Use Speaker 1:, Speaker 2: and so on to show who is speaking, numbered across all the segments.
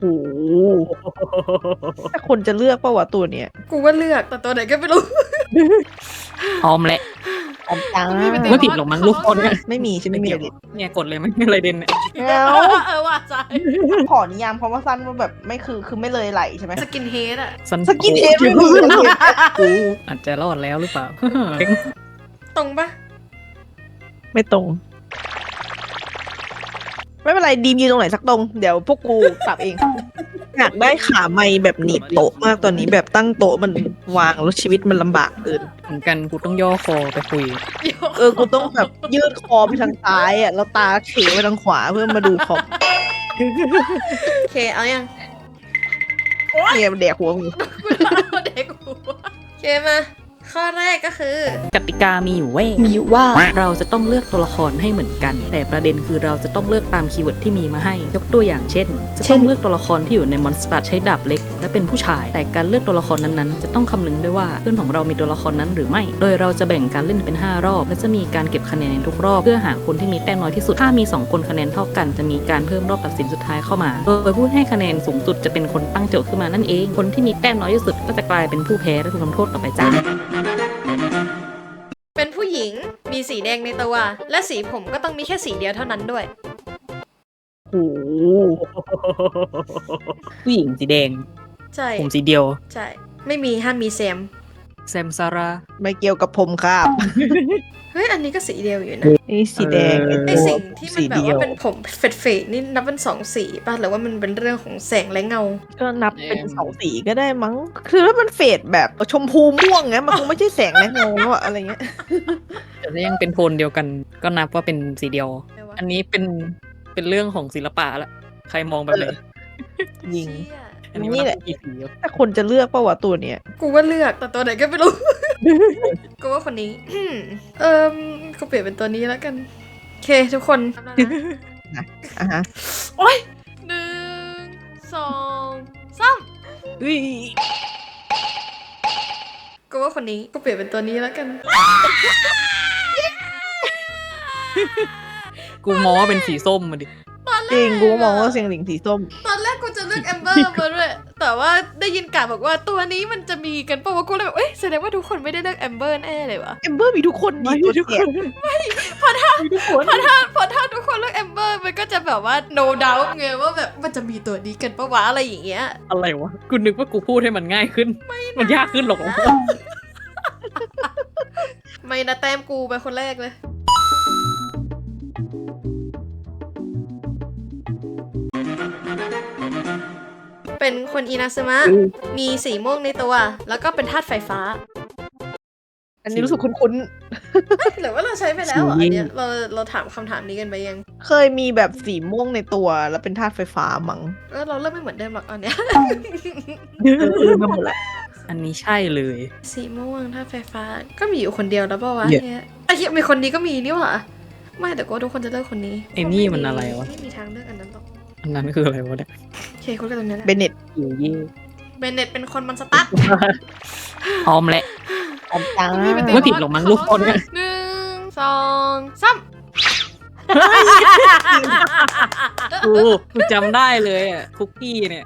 Speaker 1: โอ้โหแต่คนจะเลือกป่าวะตัวเนี้ย
Speaker 2: กูว่าเลือกแต่ตัวไหนก็ไม่รู้
Speaker 3: พร้อมแหละ
Speaker 1: ออมจ้า
Speaker 2: ไม่เป็นไร
Speaker 3: ไม่ผิดหรอกมั้งลูกคนเนี่ย
Speaker 1: ไม่มีใช่ไหมไม่มีอะไรดิ
Speaker 3: เนี่ยกดเลยไหมอะไรเด่นเนี่ย
Speaker 1: แล้ว
Speaker 2: ว่าใจ
Speaker 1: ขอนิยามคำว่าสั้นว่าแบบไม่คือไม่เลยไหลใช่ไหม
Speaker 2: สกินเฮดอะ
Speaker 1: สกินเฮดไม่มี
Speaker 3: กูอาจจะรอดแล้วหรือเปล่า
Speaker 2: ตรงปะ
Speaker 1: ไม่ตรง ไม่เป็นไรดีมยืนตรงไหนสักตรง เดี๋ยวพวกกูปรับเอง อยากได้ขาไม้แบบหนีบโต๊ะมากตอนนี้แบบตั้งโต๊ะมันวางแล้วชีวิตมันลำบากเกิน
Speaker 3: เหมือนกันกูต้องย่อคอไปคุย
Speaker 1: กูต้องแบบยืดคอไปทางซ้ายอ่ะแล้วตาเขไปทางขวาเพื่อมาดูคอม
Speaker 2: โอเคเอายัง
Speaker 1: เนี่ยมันแดกหัวมึง
Speaker 2: เด็กหัวโอเคมาข้อแรกก็คือ
Speaker 3: กติกามีอยู่เว้ย
Speaker 1: มีว่า
Speaker 3: เราจะต้องเลือกตัวละครให้เหมือนกัน แต่ประเด็นคือเราจะต้องเลือกตามคีย์เวิร์ดที่มีมาให้ ยกตัวอย่างเช่น จะต้องเลือกตัวละครที่อยู่ในมอนสเตอร์ใช้ดาบเล็ก และเป็นผู้ชาย แต่การเลือกตัวละครนั้นๆ จะต้องคำนึงด้วยว่าเพื่อนของเรามีตัวละครนั้นหรือไม่ โดยเราจะแบ่งการเล่นเป็น 5 รอบ และจะมีการเก็บคะแนนในทุกรอบ เพื่อหาคนที่มีแต้มน้อยที่สุด ถ้ามี 2 คนคะแนนเท่ากัน จะมีการเพิ่มรอบตัดสินสุดท้ายเข้ามา โดยผู้ให้คะแนนสูงสุดจะเป็นคนตั้งโจทย์ขึ้นมานั่นเอง คนที่มีแต้มน้อยที่สุดก็จะกลายเป็นผู้แพ้และถูกทำโทษต่อไปจ้า
Speaker 2: เป็นผู้หญิงมีสีแดงในตัว และสีผมก็ต้องมีแค่สีเดียวเท่านั้นด้วย
Speaker 1: โอ้โห
Speaker 3: ผู้หญิงสีแดง
Speaker 2: ใช่
Speaker 3: ผมสีเดียว
Speaker 2: ใช่ไม่มีห้ามมีแซม
Speaker 3: แซมซารา
Speaker 1: ไม่เกี่ยวกับผมครับ
Speaker 2: เฮ้ยอันนี้ก็สีเดียวอยู่นะ
Speaker 1: นี่สีแดง
Speaker 2: ไอสิ่งที่มันแบบว่าเป็นผมเฟดๆนี่นับเป็น2 สีป่ะหรือว่ามันเป็นเรื่องของแสงและเงา
Speaker 1: ก็นับเป็น2 สีก็ได้มั้ง คือถ้ามันเฟดแบบชมพูม่วงเงี้ยมันคงไม่ใช่แสงและเงาแล้วอะอะไรเงี้ย
Speaker 3: แต่ถ้ายังเป็นโทนเดียวกัน ก็นับว่าเป็นสีเดียว
Speaker 2: อะไรวะ
Speaker 3: อันนี้เป็นเรื่องของศิลปะละใครมองแบบไหน
Speaker 1: ยิง
Speaker 2: เชี่ย
Speaker 3: อันนี้
Speaker 1: นี่
Speaker 3: มัน
Speaker 1: แหละ
Speaker 3: กี่สีวะ
Speaker 1: แต่คนจะเลือกป่าวะตัวเนี้ย
Speaker 2: กูว่าเลือกแต่ตัวไหนก็ไม่รู้ กูว่าคนนี้ กูเปลี่ยนเป็นตัวนี้แล้วกันโอเคทุกคน
Speaker 1: อ่ะฮะ
Speaker 2: โอ้ย1 2 3
Speaker 1: อุ้ย
Speaker 2: กูว่าคนนี้กูเปลี่ยนเป็นตัวนี้แล้วกัน
Speaker 3: กูมองว่าเป็นสีส้มมาดิ
Speaker 1: จริงกูมองว่าเสียงหลิงสีส้ม
Speaker 2: ตอนแรกกูจะเลือกแอมเบอร์มาด้วย แต่ว่าได้ยินกาบอกว่าตัวนี้มันจะมีกันป่าวว่ากูเลยแบบเอ้ยแสดงว่าทุกคนไม่ได้เลือกแอมเบอร์แน่เลยวะ
Speaker 1: เอมเบอร์มีทุกคนดีตัวแสบ
Speaker 2: เพราะถ้าทุกคนเลือกแอมเบอร์มันก็จะแบบว่า no doubt ไงว่าแบบมันจะมีตัวนี้กันป่าวะอะไรอย่างเงี้ย
Speaker 3: อะไรวะ กูนึกว่ากูพูดให้มันง่ายขึ้น มันยากขึ้นหรอก
Speaker 2: ไม่นะแต้มกูไปคนแรกเลย เป็นคนอินาซึมะ มีสีม่วงในตัว แล้วก็เป็นธาตุไฟฟ้า
Speaker 1: อันนี้รู้สึกคุ้น
Speaker 2: หรือว่าเราใช้ไปแล้วเหรออันเนี้ยเราถามคำถามนี้กันไปยัง
Speaker 1: ๆ เคยมีแบบสีม่วงในตัวแล้วเป็นธาตุไฟฟ้ามั้ง
Speaker 2: เราเริ่มไม่เหมือนเดิมหรอกอันเนี้ย
Speaker 1: มาหมดละ
Speaker 3: อันนี้ใช่เลย
Speaker 2: สีม่วงธาตุไฟฟ้า ก็มีอยู่คนเดียวแล้วป่าวะ
Speaker 3: เหี้ย
Speaker 2: เนี่ยไอ้เหี้ยมีคนนี้ก็มีนี่หว่าไม่แต่ก็ทุกคนจะเลือกคนนี้
Speaker 3: ไอ้นี่มันอะไรวะ
Speaker 2: ไม่มีทางเลือกอันนั้นหรอก
Speaker 3: อันนั้นคืออะไรวะเนี่ย
Speaker 2: โอเคเขาเลือกตรงนี้แหละ
Speaker 1: เบเน็ต
Speaker 3: อยู่ยี่
Speaker 2: เบนเน็ตเป็นคนมันสตาร์ท
Speaker 3: พร้อมแหละ
Speaker 1: ออมจ้า
Speaker 3: ไม่ผิดหรอกมั้งลูกคนเนี่ย
Speaker 2: 1 2 3
Speaker 3: กูจำได้เลยอ่ะ คุกกี้เนี่ย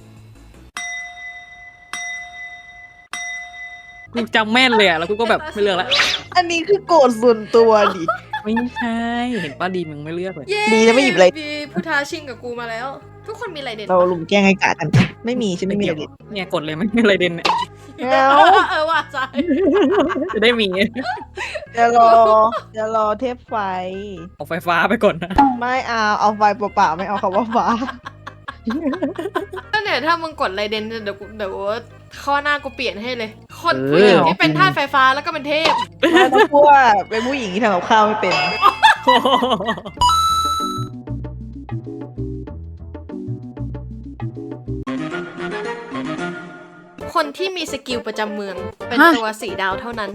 Speaker 3: กูจำแม่นเลยอ่ะ แล้วกูก็แบบไม่เลือกละ
Speaker 1: อันนี้คือโกรธส่วนตัวดิ
Speaker 3: ไม่ใช่ เห็นป้าดีมึงไม่เลือกเลย
Speaker 2: เย้
Speaker 1: ดีนะไม่หยิบอะไร
Speaker 2: มีผู้ท้าชิงกับกูมาแล้ว ทุกคนมีอะไรเด่น
Speaker 1: เราลุมแกล้งให้กากัน ไม่มีใช่ไหมไม่มีอะไร
Speaker 3: เนี่ยกดเลยไหมอะไรเด่นเนี่ย
Speaker 1: แล้ว
Speaker 2: ว่าใจ
Speaker 3: จะได้มี
Speaker 1: จะรอเทปไฟ
Speaker 3: เอาไฟฟ้าไปก่อนนะ
Speaker 1: ไม่เอาไฟเปล่าๆไม่เอาคำว่าฟ้า
Speaker 2: ก็เนี่ยถ้ามึงกดไรเด่นเดี๋ยวข้อหน้ากูเปลี่ยนให้เลย คนผู้หญิงที่เป็นธาตุไฟฟ้าแล้วก็เป็นเทพ
Speaker 1: ไม่ต้องพูดว่าเป็นผู้หญิงที่ทำกับข้าวไม่เป็น
Speaker 2: คนที่มีสกิลประจำเมือง เป็น
Speaker 3: ฮะ
Speaker 2: ตัวสีดาวเท่านั้น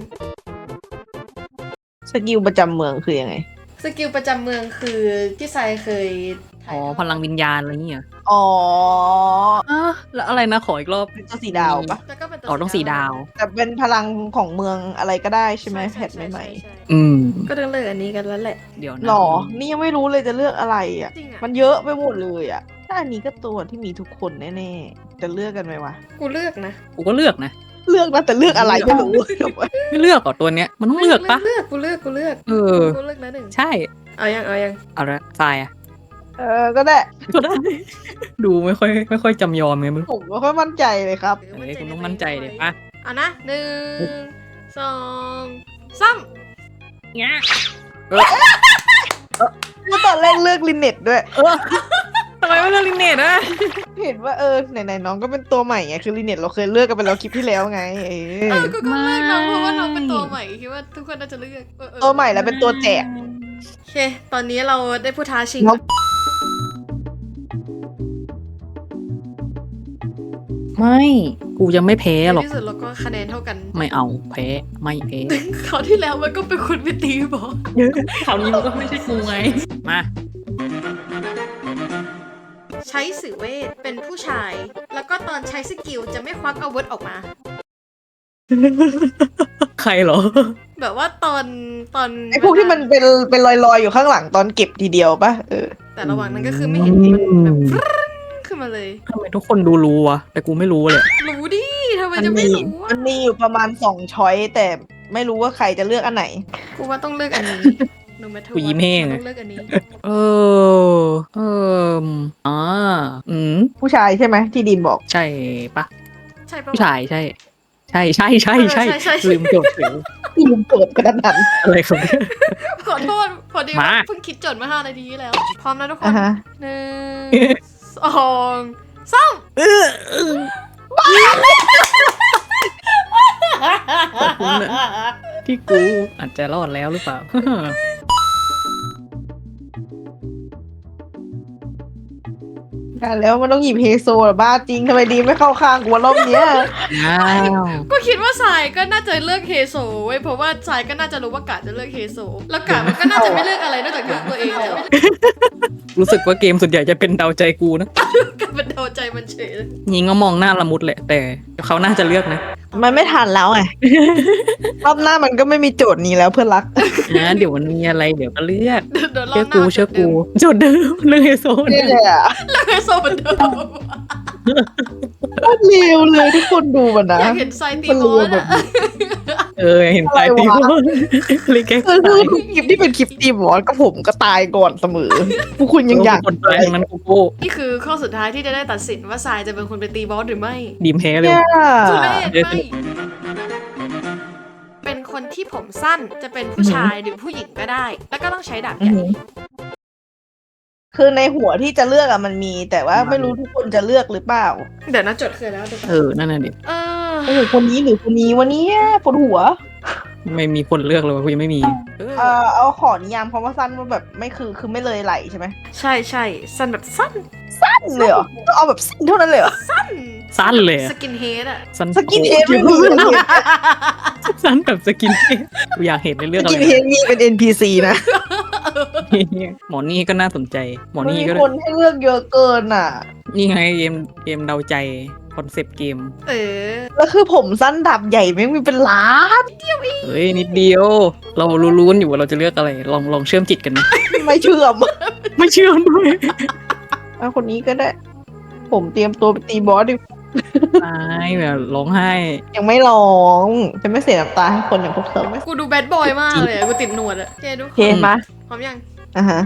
Speaker 1: สกิลประจำเมืองคือยังไง
Speaker 2: สกิลประจำเมืองคือที่ไซเคย
Speaker 3: อ๋อ พลังวิญญาณอะไรอย่างเงี้ย
Speaker 1: อ๋อ
Speaker 3: แล้วอะไรนะขออีกรอบ
Speaker 1: เป็นตัวสีดาวปะ
Speaker 2: แล้วก็เป็นตัว
Speaker 3: อ๋อต้องสีดาว
Speaker 1: แต่เป็นพลังของเมืองอะไรก็ได้ใช่ไหมแพทใหม่
Speaker 2: ใช่
Speaker 3: อืม
Speaker 2: ก็ต้องเลือกอันนี้กันแล้วแหละ
Speaker 3: เดี๋ยว
Speaker 1: ๆ
Speaker 3: นะ
Speaker 1: หรอ นี่ยังไม่รู้เลยจะเลือกอะไรอ่ะ
Speaker 2: จริงอะ
Speaker 1: มันเยอะไปหมดเลยอ่ะถ้าอันนี้ก็ตัวที่มีทุกคนแน่ๆจะเลือกกันไหมวะ
Speaker 2: กูเลือกนะ
Speaker 3: กูก็เลือกนะ
Speaker 1: เลือกนะแต่เลือกอะไรไม่รู้
Speaker 3: ไม่เลือกหรอตัวเนี้ยมันต้องเลือกปะ
Speaker 2: กูเลือก
Speaker 3: เออ
Speaker 2: กูเลือกนะหนึ่ง
Speaker 3: ใช่
Speaker 2: เอายัง
Speaker 3: เอาละทรายอะ
Speaker 1: ก็ได้
Speaker 3: ก็ได้ ดูไม่ค่อยจำยอมไงมึง
Speaker 1: ผมไม่ค่อยมั่นใจเลยครับ
Speaker 3: เฮ้ยคุณต้องมั่นใจเดี๋ยวป่ะ
Speaker 2: เอานะ1 2 3
Speaker 3: เงี้ย
Speaker 1: เมื่อตอนแรกเลือกลินเน็ตด้วย
Speaker 3: ทำไมไม่เลือกลินเนตอะ
Speaker 1: เห็นว่าไหนๆน้องก็เป็นตัวใหม่ไงคือลินเน็ตเราเคยเลือกกันไปแล้วคลิปที่แล้วไง
Speaker 2: กูก็เลือกน้องเพราะว่าน้องเป็นตัวใหม่คิดว่าทุกคนน่าจะเลือกเออ
Speaker 1: ตัวใหม่แล้วเป็นตัวแจก
Speaker 2: โอเค ตอนนี้เราได้ผู้ท้าชิง
Speaker 1: ครับ
Speaker 3: ไม่กูยังไม่แพ้หรอก
Speaker 2: ในที่สุดเราก็คะแนนเท่ากัน
Speaker 3: ไม่เอาแพ้ไม่แพ้
Speaker 2: คราวที่แล้วมันก็เป็นคนไปตีบอล
Speaker 3: คราวนี้มันก็ไม่ใช่กูไงมา
Speaker 2: ใช้สื่อเวทเป็นผู้ชาย แล้วก็ตอนใช้สกิลจะไม่ควักอาวุธออกมา
Speaker 3: ใครเหรอ
Speaker 2: แบบว่าตอน
Speaker 1: ไอ้พวกที่มันเป็นลอยๆอยู่ข้างหลังตอนเก็บทีเดียวปะ
Speaker 2: แต่ระหว่างนั้นก็คือไม่เห็นมันแบบฟรึ้งขึ้นมาเลย
Speaker 3: ทำไมทุกคนรู้วะแต่กูไม่รู้เลย
Speaker 2: รู้ดิทำไมจะไม่รู้
Speaker 1: มันมีอยู่ประมาณ2ช้อยแต่ไม่รู้ว่าใครจะเลือกอันไหน
Speaker 2: กูว่าต้องเลือกอันนี้ no matter
Speaker 3: กูยิ้มแห้ง
Speaker 2: what
Speaker 3: อะ
Speaker 2: ต้องเลือกอันนี้
Speaker 3: เออ่า
Speaker 1: ผู้ชายใช่ไหมที่ดีมบอก
Speaker 3: ใช่ปะ
Speaker 2: ใช่ปะ
Speaker 3: ผู้ชายใช่ใช่
Speaker 2: ใช่
Speaker 3: ลืมจดเสียง
Speaker 1: ที่ดีมเปิดกระดาน
Speaker 3: อะไรครับเนี่ย
Speaker 2: ขอโทษพอดี
Speaker 3: มา
Speaker 2: เพิ่งคิดโจทย์มา5 นาทีที่แล้ว พร้อมนะทุกคน
Speaker 1: อ่ะฮะ
Speaker 2: 1 2 3
Speaker 3: ขอบคุณนะที่กูอาจจะรอดแล้วหรือเปล่า
Speaker 1: แล้วมันต้องหยิบเฮโซเหรอบ้าจริงทำไมดีมไม่เข้าข้างกูวะรอบเนี้ย
Speaker 3: อ้าว
Speaker 2: ก็คิดว่าสายก็น่าจะเลือกเฮโซเว้ยเพราะว่าสายก็น่าจะรู้ว่ากาจะเลือกเฮโซแล้วกามันก็น่าจะไม่เลือกอะไรนอกจากเลือกตัวเองแล้ว
Speaker 3: รู้สึกว่าเกมส่วนใหญ่จะเป็นเดาใจกูนะ
Speaker 2: กาเป็นเดาใจมันเฉยเลย
Speaker 3: ยิงก็มองหน้าละมุดแหละ แต่เขาน่าจะเลือกนะ
Speaker 1: มันไม่ทันแล้วไง รอบหน้ามันก็ไม่มีโจทย์นี้แล้วเพื่อนรัก
Speaker 3: นะเดี๋ยวมันมีอะไรเดี๋ยวก็เลือก
Speaker 2: เดี๋ยวรอ
Speaker 3: เชื่อบ
Speaker 2: หน้า
Speaker 3: กูโจทย์เดิมเรื่องไฮโซ
Speaker 1: เนี่
Speaker 3: เนี่ย
Speaker 1: ยแหละ
Speaker 2: เลือกเฮโซเหมือนเดิม
Speaker 1: โคตรเลวเลยทุกคนดูมันนะ
Speaker 2: อยากเห็นสายตี
Speaker 1: มัน
Speaker 2: บ
Speaker 1: เล
Speaker 2: อ
Speaker 1: ว
Speaker 2: ล
Speaker 1: แบบ
Speaker 2: อะ
Speaker 3: เห็นปลายตี
Speaker 1: อะไรวะ
Speaker 3: เลยแก
Speaker 1: คือทุกคลิปที่เป็นคลิปตีบอสก็ผมก็ตายก่อนเสมอพวกคุณยังอยาก
Speaker 3: คนตายทั้งนั้นกูโก้
Speaker 2: นี่คือข้อสุดท้ายที่จะได้ตัดสินว่าสายจะเป็นคนไปตีบอสหรือไม่
Speaker 3: ดีมแพ้เลย
Speaker 1: เนี่ย
Speaker 2: ทุเรศ
Speaker 3: เดี๋ยว
Speaker 2: ไม่เป็นคนที่ผมสั้นจะเป็นผู้ชายหรือผู้หญิงก็ได้ แล้วก็ต้องใช้ดาบใหญ่
Speaker 1: คือในหัวที่จะเลือกอะมันมี แต่ว่าไม่รู้ทุกคนจะเลือกหรือเปล่า
Speaker 2: เดี๋ยวนะจดเคยแล้วเดี๋ยวก่อน
Speaker 3: นั่นน่ะดิ
Speaker 2: เออ
Speaker 1: โอ้โหคนนี้หรือคนนี้วันนี้ปวดหัว
Speaker 3: ไม่มีคนเลือกเลยกูยังไม่มี
Speaker 1: เอาขอนิยามคำว่าสั้นว่าแบบไม่คือไม่เลยไหลใช่ไหม
Speaker 2: ใช่ใช่สั้นแบบสั้น
Speaker 1: สั้นเลยเหรอต้องเอาแบบสั้นเท่านั้นเลยเหรอ
Speaker 3: สั้นเลยอะ
Speaker 2: สกินเฮดอะ
Speaker 3: สั้น
Speaker 1: สกินเฮดไม่มี
Speaker 3: สั้นแบบสกินเฮดกูอยากเห็นในเรื่อง
Speaker 1: ส
Speaker 3: อะไร
Speaker 1: กินเฮดมีเป็น NPC นะ
Speaker 3: หมอนี่ก็น่าสนใจ หมอ
Speaker 1: มัน
Speaker 3: นี่
Speaker 1: มี
Speaker 3: ก็
Speaker 1: คนให้เลือกเยอะเกินอ่ะ
Speaker 3: นี่ไงเกมเดาใจคอนเซปต์เกม
Speaker 2: เออ
Speaker 1: แล้วคือผมสั้นดับใหญ่แม่งมีเป็นล้าน
Speaker 3: เฮ้ยนิดเดียว เรารู้กันอยู่ว่าเราจะเลือกอะไร ลองเชื่อมจิตกันไหม
Speaker 1: ไม่เชื่อม
Speaker 3: ไม่เชื่อมด้วย
Speaker 1: เอาคนนี้ก็ได้ ผมเตรียมตัวไปตีบอสดิ
Speaker 3: ตายแบบร้องไห้
Speaker 1: ยังไม่ร้องจะไม่เสียน้ำตาให้คนอย่างพวกเธอไหม
Speaker 2: กูดูแบดบอยมากเลยอะกูติดหนวดอะโอเคทุกค
Speaker 1: เคน
Speaker 2: น
Speaker 1: มา
Speaker 2: พร้อมยัง
Speaker 1: อ่ะฮะ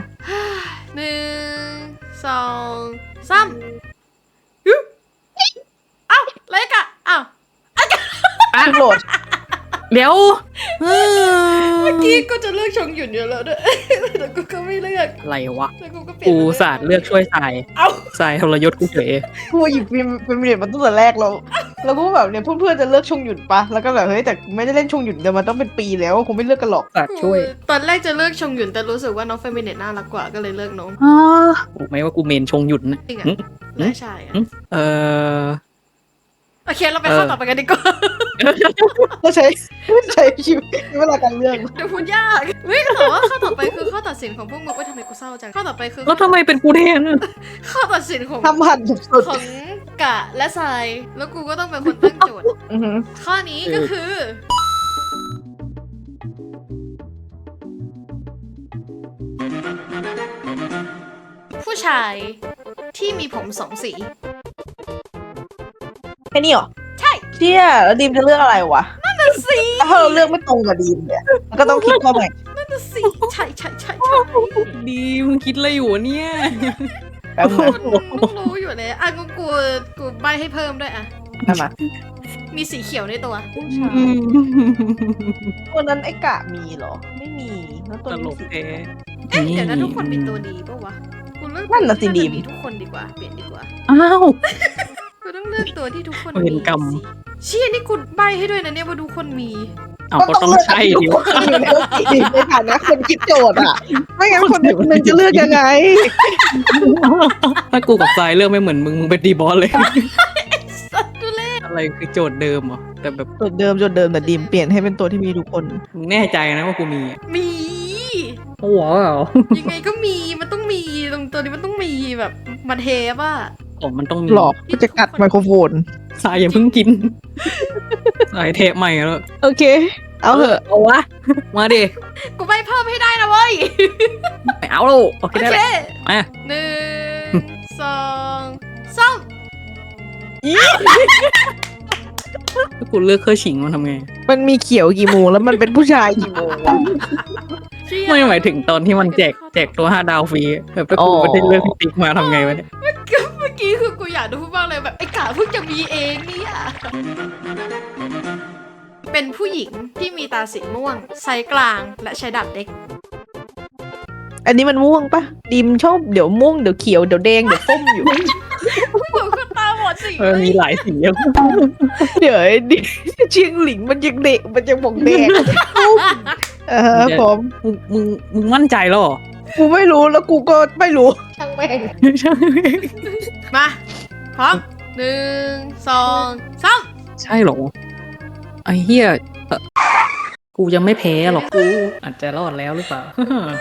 Speaker 2: 1 2 3เอ้าเล็กอะอ้าว
Speaker 1: ทุกโหลด
Speaker 3: เดี๋ยว
Speaker 2: เมื่อกี้ก็จะเลือกชงหยุ่นอยู่แล้วด้วยแต่กูก็ไม่เลือก
Speaker 3: อะไรวะ
Speaker 2: แล้วกูก็เปลี่ยน
Speaker 3: กูศาสตร์เลือกช่วยทราย
Speaker 2: เอ้า
Speaker 3: ทรายทรยศกูเฉย
Speaker 1: กูหยิบฟิล์มเรียนมาตั้งแต่แรกแล้วแล้วกูแบบเนี่ยเพื่อนๆจะเลือกชงหยุดปะแล้วก็แบบเฮ้ยแต่ไม่ได้เล่นชงหยุดเดี๋ยวมันต้องเป็นปีแล้วคงไม่เลือกกันหรอก
Speaker 3: ศาสตร์ช่วย
Speaker 2: ตอนแรกจะเลือกชงหยุ่นแต่รู้สึกว่าน้องเฟมิเนตน่ารักกว่าก็เลยเลือกน้อง
Speaker 3: ถูกไหมว่ากูเมนชงหยุดนะ
Speaker 2: จริงอะ
Speaker 3: หึ
Speaker 2: และใช่อะ
Speaker 3: เออ
Speaker 2: โอเคเราไปข้อต่อไปกันดีกว่า
Speaker 1: ก็ใช้ชีวิตเวลาการเลือก
Speaker 2: เดี๋ยวพูดยากเฮ้ยแต่ว่าข้อต่อไปคือข้อตัดสินของพวกมึงว่าทำไมกูเศร้าจังข้อต่อไปคือ
Speaker 3: แล้วทำไมเป็นกูแทนอะ
Speaker 2: ข้อตัดสินของ
Speaker 1: ทำหันสุด
Speaker 2: ของกะและทรายแล้วกูก็ต้องเป็นคนตั้งโจทย์
Speaker 1: ๆอือหือ
Speaker 2: ข้อนี้ก็คือ ผู้ชายที่มีผมสองสี
Speaker 1: แค่นี้เหรอ
Speaker 2: ใช่
Speaker 1: เชี่ยแล้วดีมจะเลือกอะไรวะ
Speaker 2: สี
Speaker 1: ถ้าเราเลือกไม่ตรงกับดีมเนี่ยมันก็ต้องคิดเข้าใหม่
Speaker 2: นั่นน่ะสิใช่ใช่ใช่
Speaker 3: ดีมึงคิดอะไรอยู่วะเนี่ย
Speaker 1: แป๊บนึง
Speaker 2: ต้องรู้อยู่เลยอ่ะกูใบให้เพิ่มด้วยอ่ะ
Speaker 1: ได้มา
Speaker 2: มีสีเขียวในตัว
Speaker 1: ตัวนั้นไอ้กะมีเหรอ ไม่มีแล้วตัว
Speaker 3: ต
Speaker 1: นี้
Speaker 3: ล
Speaker 1: มี
Speaker 3: ก
Speaker 1: สี
Speaker 3: แท้
Speaker 2: เอ๊ะเดี๋ยวนะทุกคนมีตัวดีปะวะกูเลือก
Speaker 1: นั่นน่ะสิ
Speaker 2: ตัว
Speaker 1: ดี
Speaker 2: ที่
Speaker 1: ม
Speaker 2: มีทุกคนดีกว่าเปลี่ยนดีกว่า
Speaker 3: อ้าว
Speaker 2: กูต้องเลือกตัวที่ทุกคน
Speaker 3: เว
Speaker 2: มี
Speaker 3: รกรรม
Speaker 2: สิเชี่ยนี่กูใบให้ด้วยนะเนี่ยว่าทุกคนมี
Speaker 3: เอาก็ต้องใช่เดี๋ยว
Speaker 1: ในฐานะคนคิดโจทย์อ่ะ ไม่งั้นคนนึงจะเลือกยังไง
Speaker 3: ถ้ากูกับทรายเลือกไม่เหมือนมึงเป็นดีบอสเลย
Speaker 2: สัตว์ดูเล่
Speaker 3: อะไรคือโจทย์เดิมเหรอแต่แบบ
Speaker 1: โจทย์เดิมแต่ดีมเปลี่ยนให้เป็นตัวที่มีทุกคน
Speaker 3: มึงแน่ใจนะว่ากูมีอะ
Speaker 2: มี
Speaker 3: โอ้โหเหรอ
Speaker 2: ยังไงก็มีมันต้องมีตรงตัวนี้มันต้องมีแบบมันเทปอะ
Speaker 3: ของมันต้องมี
Speaker 1: หลอกก็จะกัดไมโครโฟน
Speaker 3: ทรายอย่าเพิ่งกินทรายเทปใหม่แล้ว
Speaker 1: โอเค เอาเถอะ
Speaker 3: เอาวะมาดิ
Speaker 2: กูใบเพิ่มให้ได้นะเว้ย
Speaker 3: ไม่เอาแล้วโอเค
Speaker 2: โอ
Speaker 3: ได้
Speaker 2: เค
Speaker 3: แล้วมา
Speaker 2: หนึ่งสองสาม
Speaker 3: ถ้ากูเลือกเคอร์ฉิงมันทำไง
Speaker 1: มันมีเขียวกี่โมงแล้วมันเป็นผู้ชายกี่โมงวะ
Speaker 2: เชี่ย
Speaker 3: ไม่หมายถึงตอนที่มันแจกตัว5 ดาวฟรีแบบถ้ากู
Speaker 1: อ๋อ
Speaker 3: ไม่ได้เลือกพี่ติ๊กมาทำไงวะเนี่ย
Speaker 2: เมื่อกี้คือกูอยากดูพูดบ้างเลยแบบไอ้กาเพิ่งจะมีเองเนี่ยเป็นผู้หญิงที่มีตาสีม่วงไซส์กลางและใช้ดาบเด็ก
Speaker 1: อันนี้มันม่วงปะดีมชอบเดี๋ยวม่วงเดี๋ยวเขียวเดี๋ยวแดงเดี๋ยวส้มอยู่
Speaker 2: เหมือนคนตาบอดสี
Speaker 3: มีหลายสีอะ
Speaker 1: เดี๋ยวไอ้ดิเชียงหลิงมันยังเด็กมันยังบอกแดงผม
Speaker 3: มึงมั่นใจแล้วเหรอ
Speaker 1: กูไม่รู้แล้วกูก็ไม่รู้ช่างแม่ง
Speaker 2: มาพร้อมหนึ่งสองสาม
Speaker 3: ใช่เหรอไอ้เหี้ยกูยังไม่แพ้หรอกกูอาจจะรอดแล้วหรือเปล่า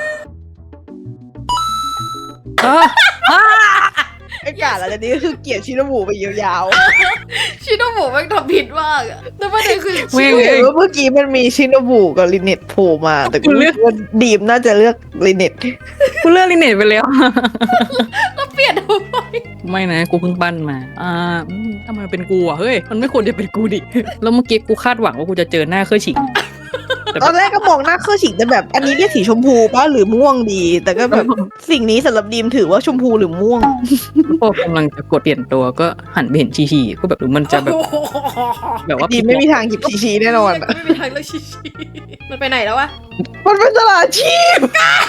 Speaker 3: อ่ะ
Speaker 1: ไอ้กาอะไรนี่คือเกลียดชิโนบุไปยาว
Speaker 2: ชิโนบุแม่งทำผิดมากอะแต่ประเด็นคือ
Speaker 1: ๆกูเห็นว่าเมื่อกี้มันมีชิโนบุกับลินเน็ตโผล่มา แต่กูเลือกว่าดีมน่าจะเลือกลินเน็ต
Speaker 3: กูเลือกลิเนตไปแล้ว
Speaker 2: เราเปลี่ยนทำไม
Speaker 3: ไม่นะกูเพิ่งปั้นมาทำไมเป็นกูอ่ะเฮ้ยมันไม่ควรจะเป็นกูดิแล้วเมื่อกี้กูคาดหวังว่ากูจะเจอหน้าเคอร์ฉิง
Speaker 1: ตอนแรกก็มองหน้าเครื่องฉิงแต่แบบ อันนี้เรียกสีชมพูป่ะหรือม่วงดี แต่ก็แบบสิ่งนี้สำหรับดีมถือว่าชมพูหรือม่วง
Speaker 3: พอกำลังจะกดเปลี่ยนตัวก็หันไปเห็นชีก็แบบหรือมันจะแบบแบบว่า
Speaker 1: ดีมไม่มีทางหยิบชีแน่นอนอะ
Speaker 2: ไม่มีทางเลยชิมันไปไหนแล้ววะ
Speaker 1: มันเป็นตลาดชีพ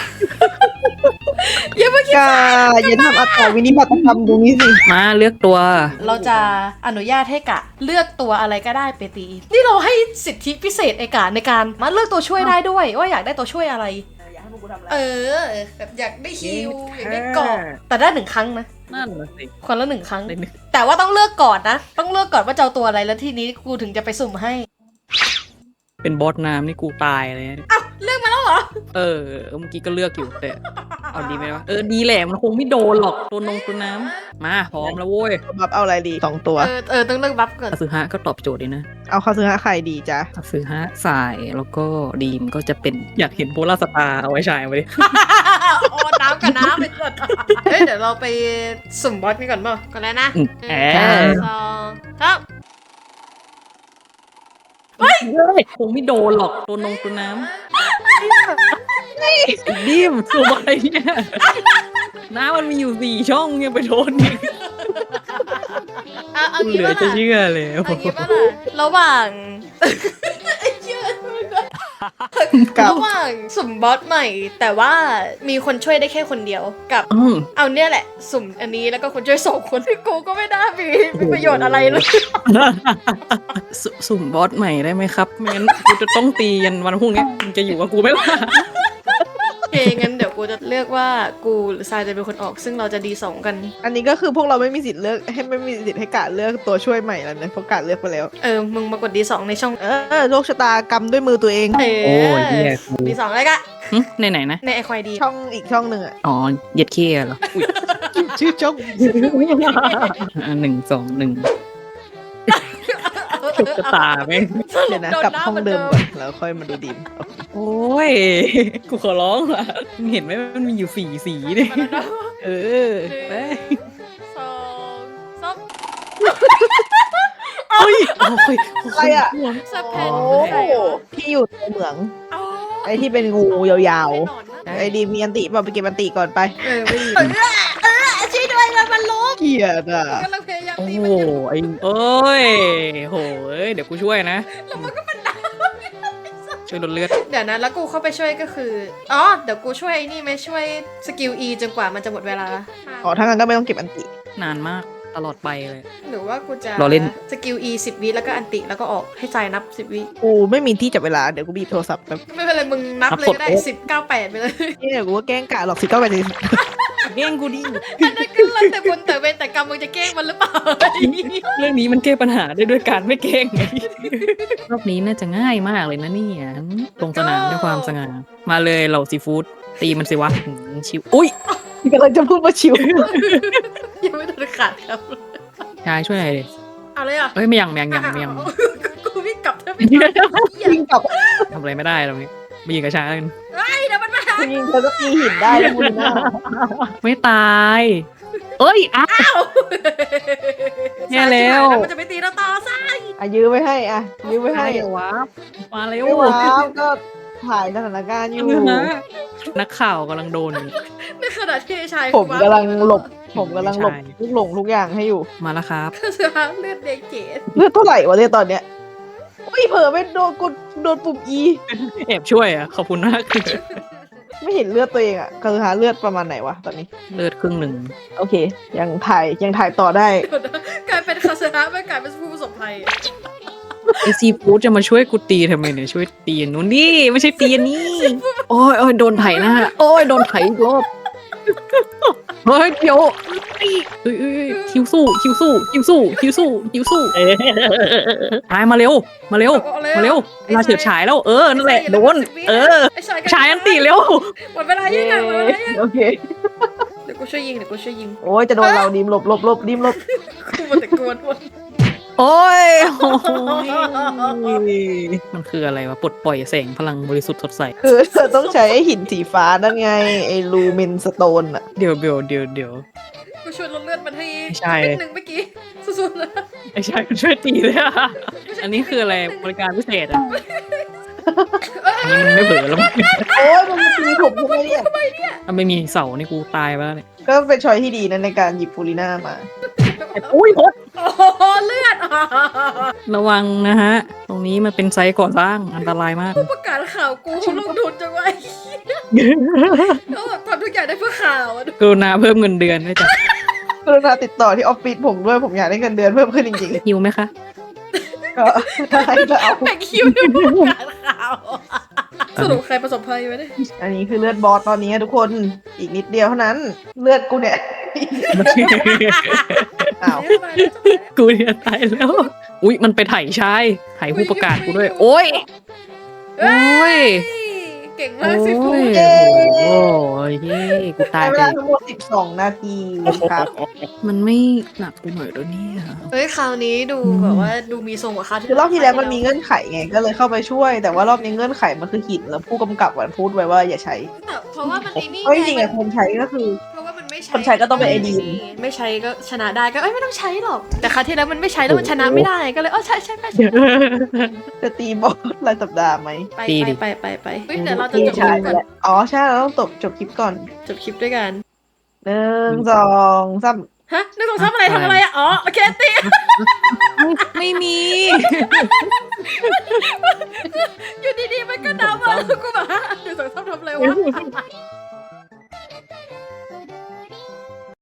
Speaker 2: อย่าเพิ่งคิด
Speaker 1: กาอย่าทำอัตราวินิบัติกรรมตรงนี้สิ
Speaker 3: มาเลือกตัว
Speaker 2: เราจะอนุญาตให้กะเลือกตัวอะไรก็ได้ไปตี นี่เราให้สิทธิพิเศษไอ้กะในการมาเลือกตัวช่วยได้ด้วยว่าอยากได้ตัวช่วยอะไร เออแบบอยากได้ฮิวอยากได้เกาะแต่ได้1 ครั้งนะ
Speaker 3: นั่นน่ะสิ
Speaker 2: คนละ1 ครั้ง
Speaker 3: ได้หนึ่ง
Speaker 2: แต่ว่าต้องเลือกก่อนนะ ต้องเลือกก่อนว่าจะเอาตัวอะไรแล้วทีนี้กูถึงจะไปสุ่มให้
Speaker 3: เป็นบอสน้ำนี่กูตายเลยนะ
Speaker 2: อ้าวเลือกมาแล้วเหรอ
Speaker 3: เออเมื่อกี้ก็เลือกอยู่แต่เอาดีไหมวะดีแหละมันคงไม่โดนหรอกตัวน้ำมาพร้อมแล้วโว้ย
Speaker 1: บับเอาอะไรดี2ตัว
Speaker 2: ต้องเลือกบัฟก่อน
Speaker 3: คาซึฮะก็ตอบโจทย์ดีนะ
Speaker 1: เอาคาซึฮะใครดีจ๊ะ
Speaker 3: คาซึฮะสายแล้วก็ดีมก็จะเป็นอยากเห็นโพลาร์สตาร์เอาไว้ฉายไว้
Speaker 2: โอ้น้ำกับน้ำเลยก่อนเฮ้ยเดี๋ยวเราไปสุ่มบอสกันก่อนเปล่าก่อนแล้วนะ
Speaker 3: แอ
Speaker 2: 1 2 3
Speaker 3: คงไม่โดนหรอกตัวน้ำดิมสบายเนี่ยน้ำมันมีอยู่4 ช่องยังไปโดนอีก
Speaker 2: เอา
Speaker 3: เห
Speaker 2: งี้
Speaker 3: ลือ
Speaker 2: ป่ะ
Speaker 3: จะ
Speaker 2: ล่ะ
Speaker 3: เชื่อเลย
Speaker 2: เอางี้ป่ะล่ะระหว่างไอ้เหี้ย
Speaker 1: กับ
Speaker 2: ระหว่างสุ่มบอสใหม่ แต่ว่ามีคนช่วยได้แค่คนเดียวกับ เอาเนี่ยแหละ สุ่มอันนี้แล้วก็คนช่วย2 คนกูก็ไม่ได้มีประโยชน์อะไรเลย
Speaker 3: สุ่มบอสใหม่ได้ไหมครับไม่งั้นกูจะต้องตียันวันพรุ่งนี้มึงจะอยู่กับกูไหมล่ะ
Speaker 2: โอเคงั้นเดี๋ยวกูจะเลือกว่ากูหรือทรายจะเป็นคนออก ซึ่งเราจะดี2กัน
Speaker 1: อันนี้ก็คือพวกเราไม่มีสิทธิ์เลือกให้ไม่มีสิทธิ์ให้กาเลือกตัวช่วยใหม่แล้วนะเพราะกาเลือกไปแล้ว
Speaker 2: มึงมากดดี2ในช่อง
Speaker 1: โชคชะตากรรมด้วยมือตัวเอง
Speaker 3: โอ้ยเหี้ย
Speaker 2: ดี2เลยกะ
Speaker 3: ในไหนนะ
Speaker 2: ในไอควายดี
Speaker 1: ช่องอีกช่องหนึ่งอะ
Speaker 3: อ๋อเหย็ดเคียเหรออุ๊ย
Speaker 1: ชื่อช่อง
Speaker 3: 1 2 1จะตาไหม
Speaker 1: เดี๋ยวนะกลับห้องเดิมก่อนแล้วค่อยมาดูดีม
Speaker 3: โอ้ย กูขอร้องละมึงเห็นไหมมันมีอยู่4 สีเนี่ย
Speaker 2: มาแล้วนะ
Speaker 3: เออไป
Speaker 2: สองสาม
Speaker 3: เฮ้ยโอ้ย
Speaker 1: อะไรอ่ะ
Speaker 2: สแพ
Speaker 1: โอ้
Speaker 2: นใส่เหรอ
Speaker 1: พี่อยู่ในเหมือง
Speaker 2: อ๋อ
Speaker 1: ไอ้ที่เป็นงูยาว
Speaker 2: ไม่นอนนะ
Speaker 1: ๆไอ้ดีมีอันติบอกไปเก็บอันติก่อนไป
Speaker 2: ไม่ดีช่วยด้วยมันล้ม
Speaker 1: เกลียดอ่ะ
Speaker 2: กำลังพยายาม
Speaker 3: โอ้
Speaker 2: ตี
Speaker 3: โห
Speaker 2: มันอยู่
Speaker 3: ไอ้เอ้ยโหยเดี๋ยวกูช่วยนะ
Speaker 2: แล้วมันก็เป็นดาว
Speaker 3: ช่วยลดเลือด
Speaker 2: เดี๋ยวนะแล้วกูเข้าไปช่วยก็คืออ๋อเดี๋ยวกูช่วยไอ้นี่ไหมช่วยสกิล E จนกว่ามันจะหมดเวลา
Speaker 1: อ๋อถ้างั้นก็ไม่ต้องเก็บอันติ
Speaker 3: นานมากตลอดไปเลย
Speaker 2: หรือว่ากูจะ
Speaker 3: รอเล่น
Speaker 2: สกิล E 10 วิแล้วก็อันติแล้วก็ออกให้ใจนับ10 วิ
Speaker 1: กูไม่มีที่จับเวลาเดี๋ยวกูบีบโทรศัพท์แบบ
Speaker 2: ไม่เป็นไรมึงนับเลยก็ได้10 9 8ไปเลย
Speaker 1: นี่เดี๋ยวกูก็แกล้งกะหรอก19 8
Speaker 3: แกล้งกูดิ
Speaker 2: อันนั้นก็แล้วแต่บุญแต่เวรแต่กรรมมึงจะแกล้งมันหรือเปล่า
Speaker 3: เรื่องนี้มันแก้ปัญหาได้ด้วยการไม่แกล้งไงรอบนี้น่าจะง่ายมากเลยนะเนี่ยลงสนามด้วยความสง่ามาเลยเหล่าซีฟู้ดตีมันสิวะชิวอุ้ย
Speaker 1: กำลังจะพูดว่าชิว
Speaker 2: ยังไม่ทันขาดครับ
Speaker 3: ชายช่วยหน่อยดิ
Speaker 2: เอาเลยอ่ะ
Speaker 3: เอ้ยไม่ยัง
Speaker 2: กูวิ่งกลับเธอไป
Speaker 1: ยิงกลับ
Speaker 3: ทำอะไรไม่ได้ตรงนี้มายิงกับชายแล้วกัน
Speaker 2: เฮ้ยเดี๋ยวมันมาหา
Speaker 1: ยิงเธอก็ตีหินได้แล้วมูลน่า
Speaker 3: ไม่ตายเอ้ยอ้าว แย่แล้ว
Speaker 2: มันจะไปตีเราต่อซะ
Speaker 1: อ่ะยื้อไว้ให้อ่ะยื้อไว้ให้
Speaker 3: เดี๋ยววะมาเร็ว
Speaker 1: ไม่ว้าวก็ถ่ายสถานการณ์อยู่
Speaker 3: นักข่าวกำลังโดนอยู่
Speaker 2: ในขณะที่ไอ้ชาย
Speaker 1: ผมกำลังหลบทุกหลงทุกอย่างให้อยู่
Speaker 3: มาแล้วครับ
Speaker 2: เสือเลือดแดงเก๋
Speaker 1: เลือดเท่าไหร่วะเนี่ยตอนเนี้ยอุ้ยเผลอไปโดนปุ่ม E
Speaker 3: แอบช่วยอ่ะขอบคุณมาก
Speaker 1: ไม่เห็นเลือดตัวเองอ่ะคือหาเลือดประมาณไหนวะตอนนี้
Speaker 3: เลือดครึ่งหนึ่ง
Speaker 1: โอเค ยังถ่ายต่อได้
Speaker 2: กลายเป็นคาเสือไม่กลายเป็นผู้ประสบภัย
Speaker 3: ไอซีฟู้ดจะมาช่วยกูตีทำไมเนี่ยช่วยตีอันนู้นดิไม่ใช่ตีอันนี้โอ้ยโดนไถหน้าโอ้ยโดนไถอีกรอบเฮ้ยเดี๋ยวเอ้ยคิวสู้ตายมาเร็วเวลาเฉิดฉายแล้วนั่นแหละโดนฉายอันตีเร็ว
Speaker 2: หมดเวลายังไงหมดเวลายัง
Speaker 1: โอเค
Speaker 2: เดี๋ยวกูช่วยยิง
Speaker 1: โอ้ยจะโดนเราดิมหลบดิมหลบ
Speaker 2: กูมันแต่กวนวน
Speaker 3: โอ้ยมันคืออะไรวะปลดปล่อยแสงพลังบริสุทธิ์สดใส
Speaker 1: คือเธอต้องใช้ไอ้หินสีฟ้านั่นไงไอ้ลูเมนสโตนอ่ะ
Speaker 3: เดี๋ยว
Speaker 2: กูช่วยลดเลือดมันให้
Speaker 3: ใช่
Speaker 2: เม็ดหนึ่งเมื่อกี้สุดๆนะ
Speaker 3: ไอ้ชายมันช่วยตีเลยอะอันนี้คืออะไรบริการพิเศษอ่ะอันนี้มันไม่เผลอแล้วมั้ง
Speaker 1: โอ้ยมันมาตีผมทำไมเนี่ย
Speaker 3: ถ้าไม่มีเสานี่กูตายไปแล้วเนี่ย
Speaker 1: ก็เป็นชอยที่ดีนะในการหยิบฟูริน่ามา
Speaker 3: อุ้ยพด
Speaker 2: โอ้โหเลือด
Speaker 3: ระวังนะฮะ ตรงนี้มันเป็นไซต์ก่อสร้างอันตรายมาก
Speaker 2: ผู้ประกาศข่าวกูลงทุนจังไว้เขาแบบทำทุกอย่างได้เพื่อข่าวอะ
Speaker 3: กรุณาเพิ่มเงินเดือนด้วยจ้ะ
Speaker 1: กรุณาติดต่อที่ออฟฟิศผมด้วยผมอยากได้เงินเดือนเพิ่มขึ้นจริง
Speaker 3: หิวไหมคะ
Speaker 1: ๆก็ได้ก็เอา
Speaker 2: แบ่งคิวด้วยผู้ประกาศข่าวสรุปใครประสบภัยไว้เนี่ย
Speaker 1: อันนี้คือเลือดบอสตอนนี้ทุกคนอีกนิดเดียวเท่านั้น เลือดกูเนี่ยอ้าว
Speaker 3: กูเนี่ยตายแล้ว อุ้ยมันไปไถ่ชายไถ่ผู้ประกาศกูด้วย โอ้ย โอ้ย
Speaker 2: เก่งมากสิพูด
Speaker 3: โอ้ยเย้กูตา
Speaker 1: ใช้
Speaker 3: ย
Speaker 1: เว
Speaker 3: ไป
Speaker 1: ลาทั้งหมด12 นาทีครับ
Speaker 3: มันไม่หนักไปหน่อยด้วยเนี่ย
Speaker 2: เฮ้ยคราวนี้ดูแบบว่าดูมีทรงกว่าคราวที่
Speaker 1: คือรอบที่แล้วมันมีเงื่อนไขไงก็เลยเข้าไปช่วย แต่ว่ารอบนี้เงื่อนไขมันคือหินแล้วผู้กำกับพูดไว้ว่าอย่าใช้
Speaker 2: แต่เพราะว่ามันไอ้นี่
Speaker 1: เอ้ยจริงๆอะคนใช้ก็คือ
Speaker 2: เพราะว่ามันไม่ใช้
Speaker 1: คนใช้ก็ต้องเป็นไอ้ดีม
Speaker 2: ไม่ใช้ก็ชนะได้ก็เอ้ยไม่ต้องใช้หรอก แต่คราวที่แล้วมันไม่ใช้แล้วมันชนะไม่ได้ก็เลยใช่ไป
Speaker 1: จะตีบอสรายสัปดาห์ไหม
Speaker 2: ไป
Speaker 3: ตีดิ
Speaker 2: ไปเฮ้ยเดี๋ยวเราจะจบค
Speaker 1: ใช่
Speaker 2: ลิปก่อน
Speaker 1: อ๋อใช่เราต้องจบคลิปก่อน
Speaker 2: จบคลิปด้วยกัน
Speaker 1: 1 2 3
Speaker 2: ฮะนึกสองทำอะไรอ่ะอ๋อโอเคตี
Speaker 3: ไม่มี
Speaker 2: อยู่ดีๆมันก็ดำมาแล้วกูแบบฮะนึกสองทำอะไรวะ